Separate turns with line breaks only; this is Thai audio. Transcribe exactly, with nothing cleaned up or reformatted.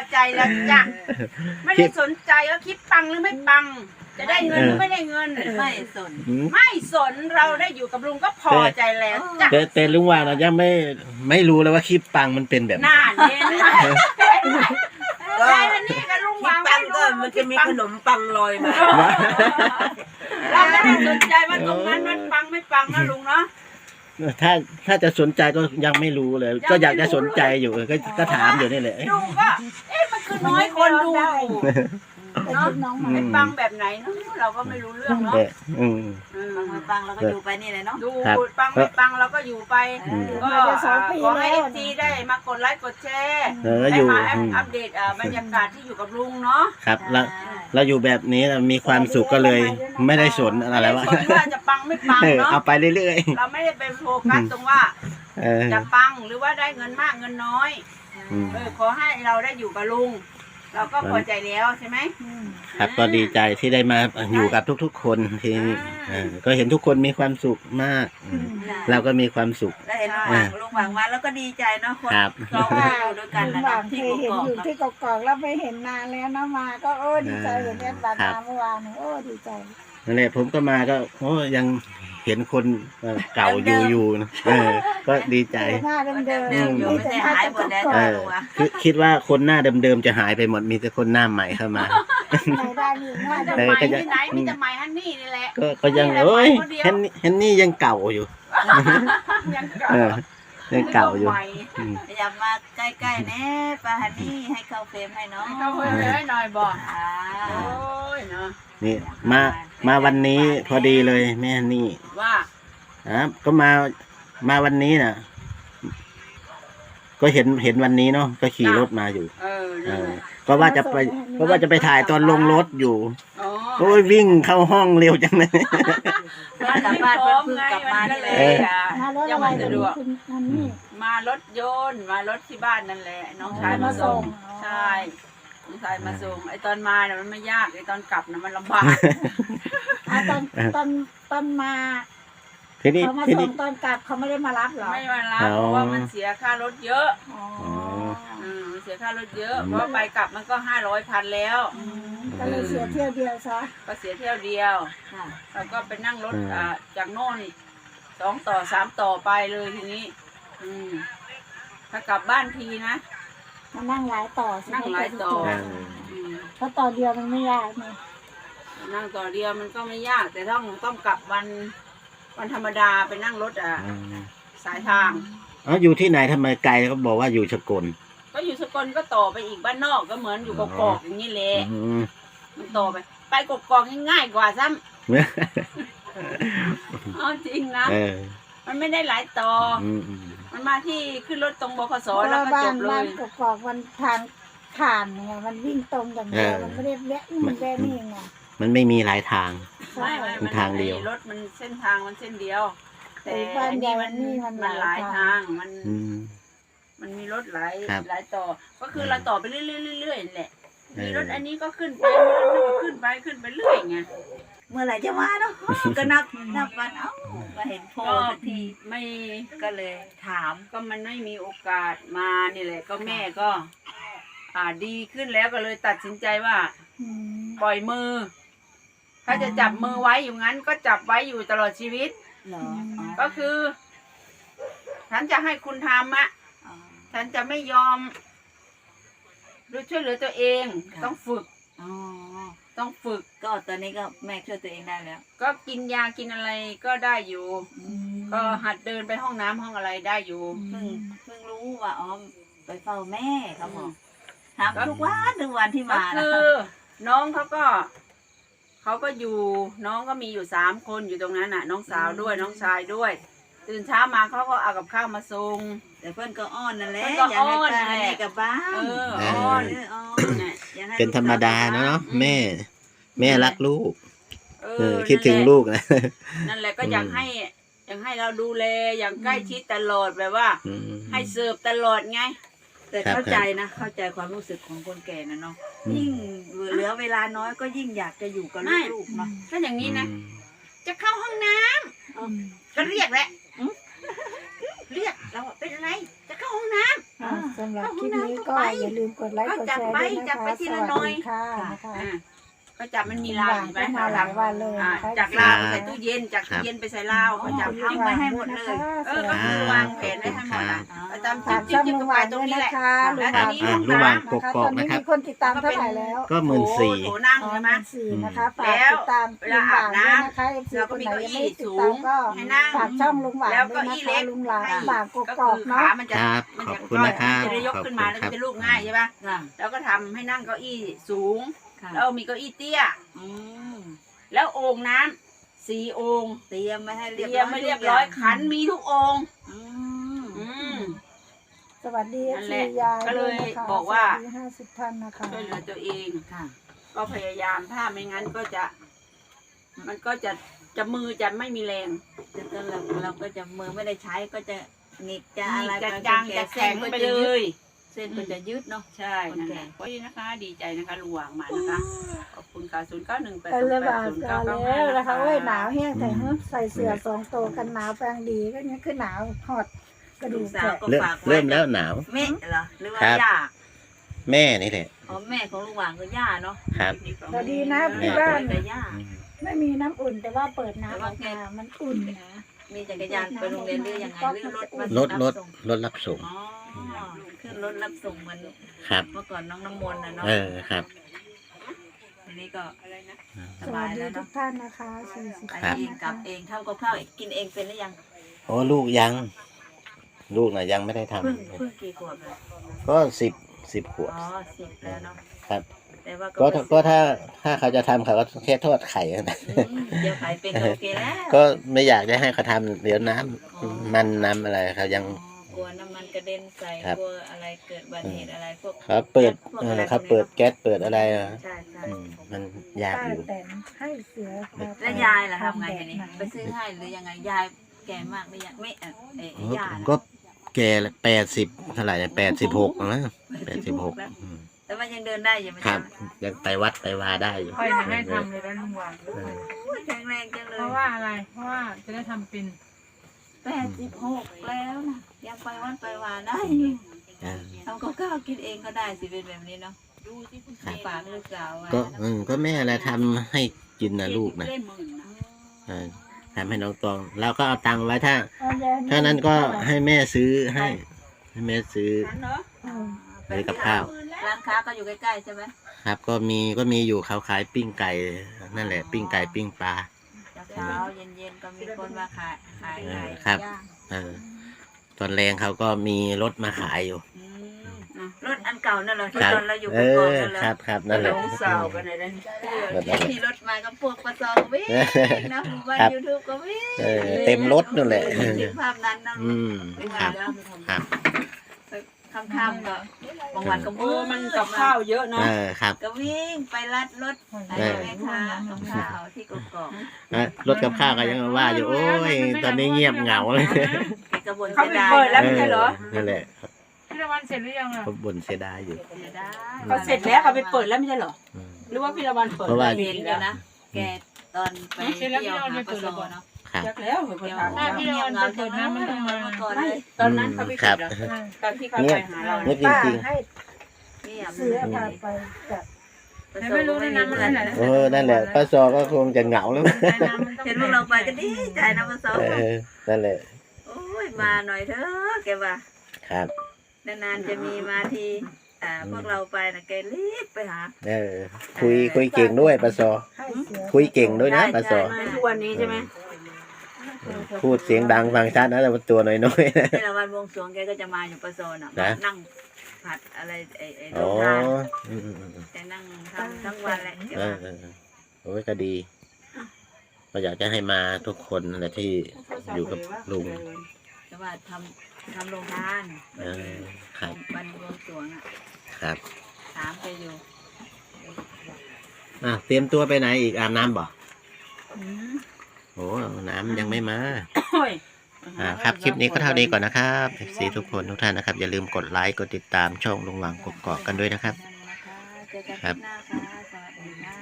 ใจแล้วจ้ะไม่ได้สนใจว่าคิดปังหรือไม่ปังจะได้เงินหรือไม่ได้เงินไม่สนไม่สนเราได้อยู่กับลุงก็พอใจแล้วจ้ะ
แต่แต่ลุงวางเรายังไม่ไม่รู้เลยว่าคลิปปังมันเป็นแบบ
หน้าเน้นก็นี่กับลุงวางปังก็มันจะมีขนมปังลอยมาเราไม่ได้สนใจว่าตรงนั้นมันปังไม่ปังนะลุงเนาะ
ถ้าถ้าจะสนใจก็ยังไม่รู้เลยก็อยากจะสนใจอยู่ก็ก็ถามอยู่นี่แหละ
ดูก็เอ๊ะมันคือน้อยคนดูเนาะไม่ปังแบบไหนเนาะเราก็ไม่รู้เรื่องเนาะ
ปังไม่ปังเราก็อยู่ไปนี่เลยเนาะ
ดูปังไม่ปังเราก็อยู่ไปก็ขอให้เอฟซีได้มากดไลค์กดแชร์ได้มาอัปเดตบรรยากาศที่อยู่กับลุงเนาะ
ครับเราเราอยู่แบบนี้มีความสุขก็เลยไม่ได้สนอะไรว่า
จะปังไม่ปังเนาะ
เอาไปเรื่อย
ๆเราไม่ได้ไปโฟกัสตรงว่าจะปังหรือว่าได้เงินมากเงินน้อยเออขอให้เราได้อยู่กับลุงเราก็พอใจแล้วใช่ไหม
ครับก็ดีใจที่ได้มาอยู่กับทุกๆคนที่ก็เห็นทุกคนมีความสุขมากเราก็มีความสุข
ได้เห็นลุงหวังลุงหวังมาแล้วก็ดีใจเนาะคนเราอยู่ด้วยกันนะ
ที่เห็นอยู่ที่กอกๆแล้วไม่เห็นนานแล้วนะมาก็โอ้ดีใจเห็นแอดบานาเมื่อวานโอ้ดีใจ
นั่นแหละผมก็มาก็โอ้ยังเห็นคนเก่าอยู่อยู่เออก็ดีใจ
หน้าเดิมๆ
อยู่ไม่ได้หายหมดแล้ว
คือคิดว่าคนหน้าเดิมๆจะหายไปหมดมีแต่คนหน้าใหม่เข้ามา
ได้มีหน้า
ใหม่ที่ไหนมีแต่ใหม่ฮันนี่นี่แหละ
ก็ก็ยังเอ้ยฮันฮันนี่ยังเก่าอยู่
ยังเก่า
ยังเก่าอยู่
อย่ามาใกล้ๆแน่ป้าฮันนี่ให้เข้าเฟรมให้น้อง
เข้าเฟรมให้หน่อยบอกโอ้ยเนาะ
นี่มามาวันนี้พอดีเลยแม่นี่
ว่า
ครับก็มามาวันนี้น่ะก็เห็นเห็นวันนี้เนาะก็ขี่รถมาอยู่เออก็ว่าจะไปก็ว่าจะไปถ่ายตอนลงรถอยู่โอ้ยวิ่งเข้าห้องเร็วจังเลย
กลับบ้านเพิ่งกลับมาเลยยังไม่สะดวกมารถยนต์มารถที่บ้านนั่นแหละน้องชายมาส่งใช่น้องชายมาส่งไอตอนมาเนี่ยมันไม่ยากไอตอนกลับน่ะมันลำบาก
ตอนตอนตอนมาเขามาส่งตอนกลับเขาไม่ได้มารับหรอ
ไม่มารับเพราะว่ามันเสียค่ารถเยอะอืมเสียค่ารถเยอะเพราะไปกลับมันก็ห้าร้อยพันแล้ว
ก็เลยเสียเที่ยวเดียวซะ
ก็เสียเที่ยวเดียวแล้วก็ไปนั่งรถอ่าจากโน่นสองต่อสามต่อไปเลยทีนี้อืมถ้ากลับบ้านทีนะ
มานั่งหลายต่อ
นั่งหลายต่อ
เพราะต่อเดียวมันไม่ยากไง
นั่งต่อเดียวมันก็ไม่ยากแต่ต้องต้องกลับวันวันธรรมดาไปนั่งรถอ่ะสายทาง
อ๋ออยู่ที่ไหนทำไมไกลเขาบอกว่าอยู่สกล
ก็อยู่สกลก็ต่อไปอีกบ้านนอกก็เหมือนอยู่กอกๆอย่างนี้เลยมันต่อไปไปกอกๆง่ายกว่าซ้ำอ๋อจริงนะมันไม่ได้หลายต่อมันมาที่ขึ้นรถตรงบขสแล้วก็จบเลย
บ้านกอกๆมันทางผ่านไงมันวิ่งตรงอย่างเดียวมันไม่ได้แวะนี่แวะนี่ไง
มันไม่มีหลายทาง
ไม่มันทางเดียวรถมันเส้นทางมันเส้นเดียวแต่อันนี้มันมันหลายทางมันมันมีรถหลายหลายต่อก็คือเราต่อไปเรื่อยๆๆแหละมีรถอันนี้ก็ขึ้นไปรถนั้นก็ขึ้นไปขึ้นไปเรื่อยไง
เมื่อไหร่จะมาเนาะก็นับนับวันเอ้ามาเห็นโพสที
ไม่
ก็เลยถาม
ก็มันไม่มีโอกาสมานี่แหละก็แม่ก็อ่าดีขึ้นแล้วก็เลยตัดสินใจว่าปล่อยมือถ้าจะจับมือไว้อยู่งั้นก็จับไว้อยู่ตลอดชีวิตก็คือฉันจะให้คุณทำอะฉันจะไม่ยอมด้วยช่วยเหลือตัวเองต้องฝึกต้องฝึก
ก็ตอนนี้ก็แม่ช่วยตัวเองได้แล้ว
ก็กินยากินอะไรก็ได้อยู่ก็หัดเดินไปห้องน้ำห้องอะไรได้อยู่
เพิ่งเพิ่งรู้ว่าอ๋อไปเฝ้าแม่เขาบอกถามทุกวันทุกวันที่มา
คือน้องเขาก็เขาก็อยู่น้องก็มีอยู่สามคนอยู่ตรงนั้นน่ะน้องสาวด้วยน้องชายด้วยตื่นเช้ามาเขาก็เอากับข้าวมาส่ง
แต่เพื่อนก็อ้อนนั่นแหละ
อยากให้ตาให้
กับบ้าน
เอออ้อน
เป็นธรรมดาเนาะแม่แม่รักลูกเออคิดถึงลูกนะ
นั่นแหละก็อยากให้อยากให้เราดูแลอย่างใกล้ชิดตลอดแบบว่าให้เสิร์ฟตลอดไง
แต่เข้าใจนะเข้าใจความรู้สึกของคนแก่นะเนาะยิ่งเหลือเวลาน้อยก็ยิ่งอยากจะอยู่กับลูกเนาะ
ถ้าอย่างนี้นะจะเข้าห้องน้ำก็เรียกแหละเรียกเราเป็นอะไรจะเข้าห้องน้ำ
อ่าสำหรับคลิปนี้ก็อย่าลืมกดไลค์กดแชร์ด้วย
จั
นะ
บไป
คะ
ที
ส
ละ
วัส
หน่อย
ดีค่ะนะคะ
อ่าก็จับมันมีลาวเห็นไหม
มาหลายวันเลย
อ่า
นะคะ
จากลาวไปใส่ตู้เย็นจากตู้เย็นไปใส่ลาวเขาจับทิ้งไว้ให้หมดเลย เออก็คือวางแผนไว้ให้หมดอ่ะประจำ
ฝาก
จิ้
ช่
ม
อง
จิ้ม
ลุ
กั
ง
บ
ห
ไป
วาน
ตร
ด้ว
ง
ย
นี้แหละ
นะคะลุงหวาน
อ่ะลุงหวานกกอก
ตอนนี้
นะครับ
มีคนติดตามเท่าไหร่แล้ว
ก็หมื่นสี่
โถนั่ง
อ๋อ
ใช่ไหม
สี่นะคะฝาก
แล้ว
ติดตาม
เวลาอาบน้ำ
ลุงหวด้วยนะคะเอฟซี
เรา
ค
ก็
น
มี
ไหน
เก้า
ยัง
อี้
ไม่ติด
สู
ตาม
ง
ก็
ให้นั่ง
ฝากช่องลุงหวาน
แล้ว
ด้
ก็
วยนะ
อี้
คะ
เล็ก
ลุงหวาน
ให้
บางก
ก็
กอก
คือ
เนาะ
ขามันจะ
ครับ
มัน
ขอ
จะ
บคุณนะครับ
มันจะได้ยกขึ้นมา
ข
แล้
อบ
ว
คุณครับ
ก็จะลูกง่ายใช่ปะ
ค่ะ
แล้วก็ทำให้นั่งเก้าอี้สูง
ค่ะ
แล้วมีเก้าอี้เตี้ย
อืม
แล้วโอ่งน้ำสี่โอ่ง
เตรียมไม่ให้
เต
เรียบ
รียมไม่เรียบร้อยขันมีทุกโอ่ง
อืม
อืม
สวัสดีเอ
นั่
ฟ
นแห
ซี
ละ
ยาย
ก็เลย
ด้วยนะคะ
บอกว่า
สสดีห้าสิบท่านนะคะ
ช่วยเหลือตัวเอง
ค่ะ
ก็พยายามถ้าไม่งั้นก็จะ มันก็จะจะมือจะไม่มีแรง
จะก็เราเราก็จะมือไม่ได้ใช้ก็จะหงิกจะอะไร
จะ
ไป
จาง
แก่
จะแข็ง
ส้นก็
ไป
จะ
เล
ยืด
ย
เส้นก็จะยืดเนาะ
ใช่นั่นแหละเพราะฉะนั้นนะคะ ดีใจนะคะลุงหวางมานะคะ ขอบคุณค่ะศูนย์เก้าหนึ่งแปด
ไป
ศูน
เลย
ย์แป
บา
ด
ท
ศูนย์
กั
เก้าน เก้า
แล้
ห้าว
นะคะเว้ยหนาวแห้งแต่
อืม
เฮ้ยใส่เสื้อสองตัวกันหนาวแปลงดีก็ยังคือหนาวหอดกระดู
ลู
ก
กสา
แต
ว
ก
ก็
เริ่ม
ฝากไว้
เริ่มแล้วหนาว
แม่เหรอหรือว่า
ครับ
ย่า
แม่นี่แหละ
อ๋อแม่ของลุงหว่างคือย่าเนาะ
ครับ
แต่ดีนะ
แม่
ที่บ้าน
แต่ย่า
อืม
ไม่มีน้ำอุ่นแต่ว่าเปิดน้ำออกมามันอุ่นนะ
มีจักรยานไปโรงเรียนหรือยังไงหรือรถมาร
ถรถ
ส่ง
รถรับส่ง
อ๋อขึ้นรถรับส่งเหมัน
ครับ
เมื่อก่อนน้องน้ำมนต์นะเนาะ
เออครับ
ทีนี้ก็ส
สวั
บา
ส
ย
ดี
แล้ว
ทุ
เนาะ
กท่านนะคะสี่สิบ
ไป
ครับ
เองกลับเองทำกับข้าวกินเองเป็นหรือยัง
โอ้ลูกยัง ลูกน่ะยังไม่ได้ทำ
เพิ่งเพิ่งกี่ขวบเลย
ก็สิบสิบขวบ
อ๋อสิบแล้วเนาะ
ครับ
แต่ว่า
ก็
ก็
ก็ถ้าถ้าเขาจะทำเขาก็แค่ทอดไข่นะ
อืมเดี๋ยวขายเป็นก็โอเคแล้ว
ก็ไม่อยากจะให้เขาทำเดี๋ยวน้ำมันน้ำอะไรเขายัง
อ๋อกลัวน้ำมันกระเด็นใส่
ครับ
กลัวอะไรเกิดอุบัติเหตุอะไรพวก
เขาเปิด
พวก
เอ
อะ
อ
ไร
เขาเปิดแก๊สเปิดอะไรอะ
ใช่ใช่
อืมมันยาก
ป้า
อยู่
แตนให้เสือพาไป
แล้วยายล่ะทำไงทีนี้
แบบห
ไปซื้อให้หรือยังไงยายแก่มากหรือยังไม่เอ่อเอ่อ
เออย
าน่ะ
ก็แก่แปดสิบเท่าไหร่แปดสิบหกนะแปดสิบหก
แล้วแต่ว่ายังเดินได้อยู่ไหม
ครับ
จ๊ะ
ยังไปวัดไปวาได้อยู่
ค่อยจะให้ทำเลยนะลุงหวาน
เออ
โอ้ยแข็งแรงจังเลย
เพราะว่าอะไร เพราะว่าจะได้ทำเป็น
แปดสิบหกแล้วนะยังไปวัดไปวาได้
เออ
ทำกับข้าวกินเองก็ได้สิเป็นแบบนี้เนาะ
ครับ
ฝากลูกสาวไว้
ก็
นะ
อืมก็แม่อะไรทำให้กินนะลูกนะ
ได้หมื่นนะ
เออทำให้น้องตองแล้วก็เอาตังค์ไว้ถ้า
เอายาย
ถ้านั้นก็ให้แม่ซื้อให้ ให้แม่ซื้อ
นั้นเนาะ
อืม
ซื้อกับข้าว
ร้านค้าก็อยู่ใกล้ๆใช่ไหม
ครับก็มีก็มีอยู่เขาขายปิ้งไก่นั่นแหละ ปิ้งไก่ปิ้งปลา
เช้าๆเย็นๆก็มีคนมาขายขายไก่
ครับ
ย่าง
เออตอนแรงเขาก็มีรถมาขายอยู่
อืมรถอันเก่านั่นเหรอที่
ครับ
ตอนเราอยู่
เอ
กับก่อน
อ
นั่นเหรอ
ครับครับนั่นแหละ
น้องสาวกันเลยนะ
แบบนั้นแหละ
ที่รถมาก็พวกประซองวิ่งนะหมู่บ้าน
ครับ
ยูทูบก็วิ่ง
เออเต็มรถนั่นแหละ
ถึงภาพนั้นนะ
อืมครับครับ
ค่ำๆก็บางวันก็
โอ้มันกับข้าวเยอะ
เอ
เนาะ
อครับ
ก็วิ่งไปรัดรถไป
เออ
แม่ค้ากับข้าวที่กกอก
อ่ะรถกับข้าวก็ยังว่าอยู่โอ้ยตอนนี้เงียบเหงาเลย
แกกระบวน
เขา
เสีย
ไป
ดาย
เปิดแล้ว
เอ
ไม่
อ
ใช่เหรอ
นั่นแหละ
พี่ละวันเสร็จหรือยังอ่ะ
เขาบ่นเสียดายอยู่
เสียดาย
เขาเสร็จแล้วเขาไปเปิดแล้วไม่ใช่เหรอ
อืม
หรือว่าพี่ละวันเปิด
เพราะว่า
เห็นอยู่นะ แกตอนไปเที่ยวหาประซอเนาะ
ครับ
จักแล้วเหมือนคนถาม
ถ้าพี่ละวันไปเปิดน้ำมันต้องมา
ก่อน
ไม่
เลย
ตอนนั้นเขาไป
ครั
ปิ
บ
ดเหรอตอนที่เขา
เงี
ไป
ยบ
หาเรา
เงียบจ
ป้า
ริง
ให้
นี่อ่ะ
เสือพาไปกับ
แต่ไม่รู้ด้วยนะมันอะไรนะ
ๆเออนั่นแหละป้าซอก็คงจะเหงาแล้ว
แต่น้ำมันต้อง
เห็นพวกเราไปก็ดีใจนะประซอ
เออนั่นแหละ
โอ้ยมาหน่อยเถอะแกว่า
ครับ
นานๆจะมีมาทีอ่าพวกเราไปนะแกรีบไปหา
เออคุยคุยเก่งด้วยป้าซอ
ให้เสือ
คุยเก่งด้วยนะ
ใช่
ป้าซอ
ใช่
ทุกวันนี้ใช่ไหม
พูดเสียงดังฟังชัดนะแต่ว่าตัวน้อยๆนะ
ในละวันวงสรวงแกก็จะมาอยู่ประโซนอ่ะ
นะ
นั่งผัดอะไรไอ้ไอ้โร
อ๋อง
ทาน
อืมอืมอืม
แกนั่งทำทั้งวันแหละแก
เอ
ว่า
อเออเออโอ้ยก็ดีก็อยากจะให้มาทุกคนนั่นแหละที่อยู่กับลุง
แต่ว่าทำทำโรงทาน
เออครับ
วันวงสรวงอ่ะ
ครับ
ถามแกอยู่
อ่ะเตรียมตัวไปไหนอีกอาบน้ำบ่
อืม
โอ้น้ำยังไม่มา
โอ้ย
อ่าครับคลิปนี้ก็เท่านี้ก่อนนะครับเอฟซีทุกคนทุกท่านนะครับอย่าลืมกดไลค์กดติดตามช่องลุงหวังกกอกกันด้วยนะครับ
นั่นนะคะเจอกัน
ครั
ที่
บ
หน้าค่ะสวัสดีค่ะ